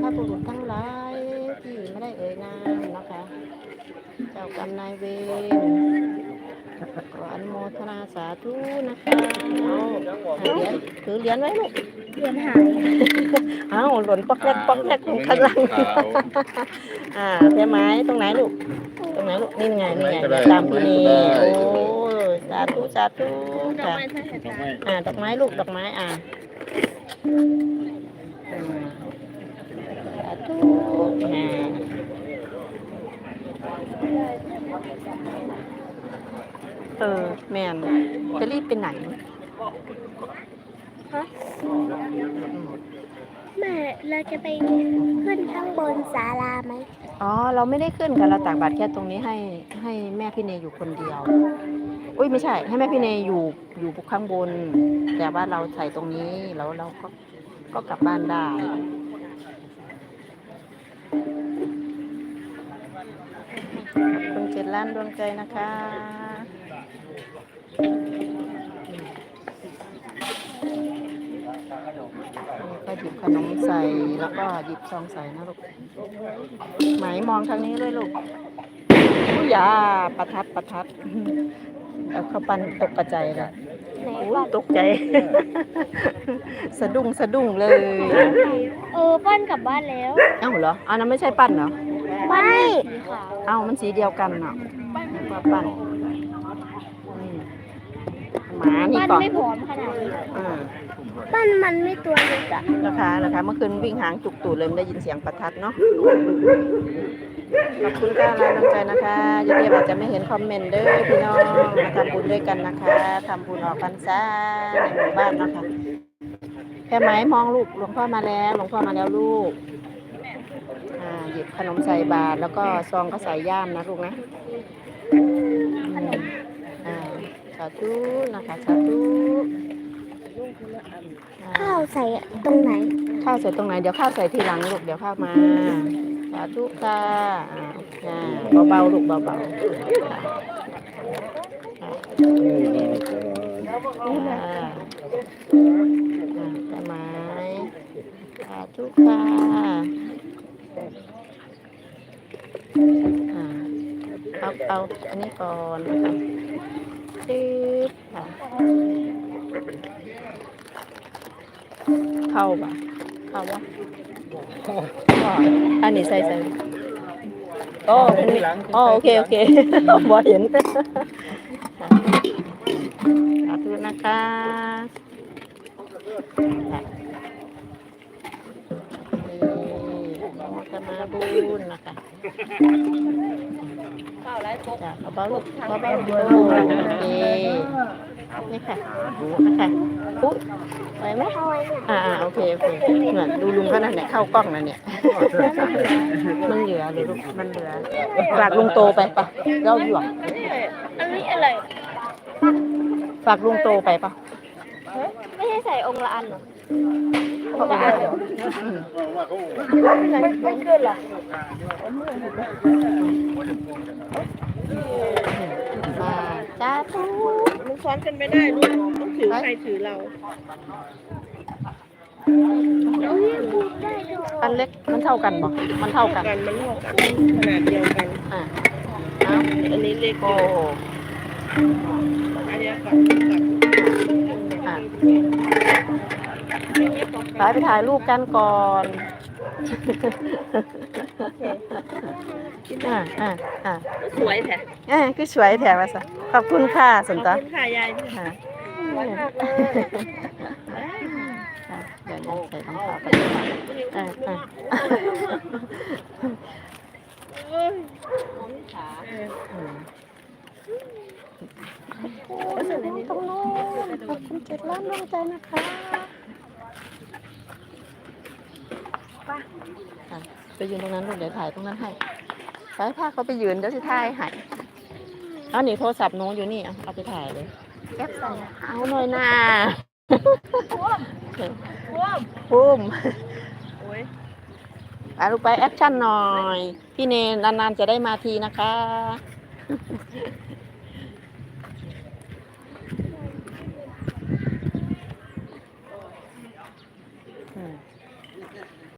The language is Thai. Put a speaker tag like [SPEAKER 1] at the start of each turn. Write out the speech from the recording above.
[SPEAKER 1] บุรุษทั้งหลายที่ไม่ได้เอ่ยนามนะคะเจ้ากรรมนายเวรขออนุโมทนาสาธุนะคะเหรียญถือเหรียญไว้ลูก
[SPEAKER 2] เรียนหาย
[SPEAKER 1] อ้าวหล่นปอกแรกปอกแรกลงข้างล่างเพียไม้ตรงไหนลูกตรงไหนลูกนี่ไงนี่ไงตามพี่นีโอ้สาธุสาธุค่ะดอกไม้ลูกดอกไม้สาธุแม่นจะรีบไปไหน
[SPEAKER 2] ฮะแม่เราจะไปขึ้นข้างบนศาลาไหม
[SPEAKER 1] อ๋อเราไม่ได้ขึ้นกันเราตากบาตรแค่ตรงนี้ให้แม่พี่เนยอยู่คนเดียวอุ้ยไม่ใช่ให้แม่พี่เนยอยู่ข้างบนแต่ว่าเราใส่ตรงนี้แล้วเราก็กลับบ้านได้ขอบคุณ7 ล้านดวงใจนะคะก็หยิบขนมใส่แล้วก็หยิบซองใส่นะลูกไหมมองทางนี้เลยลูกอย่าประทัดเอาเข้าปั้นตกกระใจละตกใจสะดุ้งเลย
[SPEAKER 2] ปั้นกลับบ้านแล้ว
[SPEAKER 1] เอ้าเหรออันนั้นไม่ใช่ปั้นเหรอ
[SPEAKER 2] ไม่
[SPEAKER 1] เอ้ามันสีเดียวกันเนาะปั้นหมานี่ก่อน
[SPEAKER 2] ไม่ผอมขนาดนี้ปั้นมันไม่ตัวเล็กอะ
[SPEAKER 1] นะคะเมื่อคืนวิ่งหางจุกตูดเลยไม่ได้ยินเสียงประทัดเนาะขอบคุณค่ะรายน้ำใจนะคะยายเดียอาจจะไม่เห็นคอมเมนต์เด้อพี่น้องมาทำบุญด้วยกันนะคะทำบุญออกพรรษาในหมู่บ้านนะคะแค่ไหมมองลูกหลวงพ่อมาแล้วลูกหยิบขนมใส่บาตรแล้วก็ซองก็ใส่ย่ามนะลูกนะสาธุนะคะสาธุ
[SPEAKER 2] ข้าวใส่ตรงไหน
[SPEAKER 1] ข้าวใส่ตรงไหนเดี๋ยวข้าวใส่ทีหลังลูกเดี๋ยวข้าวมาสาธุค่ะเบาๆลูกเบาๆใช่ไหมสาธุค่ะเอาอันนี้ก่อนนะคะตึ๊บค่ะเข้าวะอันนี้ใส่โอ้โอเคบอเห็นสาธุนะคะจะมาบุญนะคะเบาๆลูกเบาๆโอเคนี่ค่ะปุ๊บไปไหมโอเคเหมือนดูลุงเขานั่นเนี่ยเข้ากล้องนั่นเนี่ยมันเหลือเลยลูกมันเหลือฝากลุงโตไปปะเราหยวก
[SPEAKER 2] อันนี้อะไร
[SPEAKER 1] ฝากลุงโตไปปะ
[SPEAKER 2] ไม่ใช่ใส่องค์ละอันหรอไม่เกินหรอ
[SPEAKER 1] มาจ้าทุก
[SPEAKER 3] มันซ้อนกันไม่ได้ลูกต้องถือใครถือเรา
[SPEAKER 1] อันเล็กมันเท่ากันบ่มันเท่ากัน
[SPEAKER 3] มันเท่ากันขนาดเดียวกันอันนี้เล็ก
[SPEAKER 1] โอ้
[SPEAKER 3] อันนี้กับ
[SPEAKER 1] ไปถ่ายรูปกันก่อน
[SPEAKER 3] สวยแท้
[SPEAKER 1] คือสวยแท้มาซะขอบคุณค่ะสนตา
[SPEAKER 3] ขอบคุณค่ะยาย
[SPEAKER 1] เดี๋ยวใส่รองเท้าไปตรงโน้นขอบคุณ7 ล้านดวงใจนะคะไปยืนตรงนั้นลูกเดี๋ยวถ่ายตรงนั้นให้ไปพาเขาไปยืนเดี๋ยวจะถ่ายให้เอาหนีโทรศัพท์โน้ตอยู่นี่เอาไปถ่ายเลย
[SPEAKER 2] แอปใส่
[SPEAKER 1] เอาหน่อยนะ
[SPEAKER 3] พุ่ม
[SPEAKER 1] ไปลูกไปแอคชั่นหน่อยพี่เนนนานๆจะได้มาทีนะคะ